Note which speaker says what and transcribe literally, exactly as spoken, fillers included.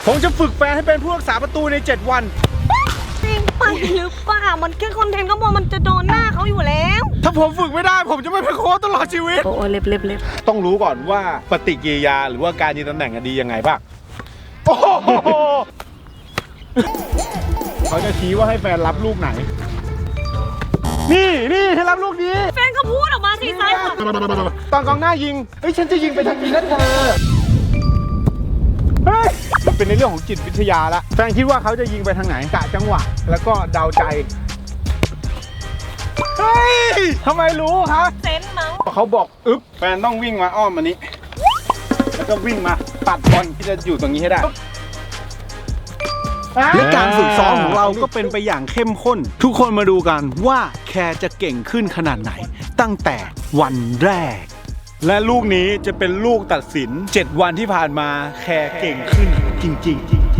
Speaker 1: ผมจะฝึกแฟนให้เป็นผู้รักษาประตูในเจ็ดวัน
Speaker 2: จริงไปหรือเปล่ามันแค่คอนเทนต์ก็มองมันจะโดนหน้าเขาอยู่แล้ว
Speaker 1: ถ้าผมฝึกไม่ได้ผมจะไม่เป็นโค้ชตลอดชีวิต
Speaker 2: โอ้เล็บเล็บเล็บ
Speaker 1: ต้องรู้ก่อนว่าปฏิกิริยาหรือว่าการยืนตำแหน่งดียังไงบ้างโอ้โหเขาจะชี้ว่าให้แฟนรับลูกไหนนี่นี่ให้รับลูกนี้
Speaker 2: แฟนก็พูดออกมาสิซ้ายขวา
Speaker 1: ตอนกองหน้ายิงเฮ้ยฉันจะยิงไปทางนี้นะเธอเฮ้ยมันเป็นในเรื่องของจิตวิทยาละแฟนคิดว่าเขาจะยิงไปทางไหนกะจังหวะแล้วก็เดาใจเฮ้ยทำไมรู้ครับ
Speaker 2: เซนส์มั้ง
Speaker 1: เขาบอกอึ๊บแฟนต้องวิ่งมาอ้อมมานี้แล้วก็วิ่งมาปัดบอลที่จะอยู่ตรงนี้ให้ได้และการฝึกซ้อมของเราก็เป็นไปอย่างเข้มข้นทุกคนมาดูกันว่าแคร์จะเก่งขึ้นขนาดไหนตั้งแต่วันแรกและลูกนี้จะเป็นลูกตัดสินเจ็ดวันที่ผ่านมาแคร์เก่งขึ้นจริงๆ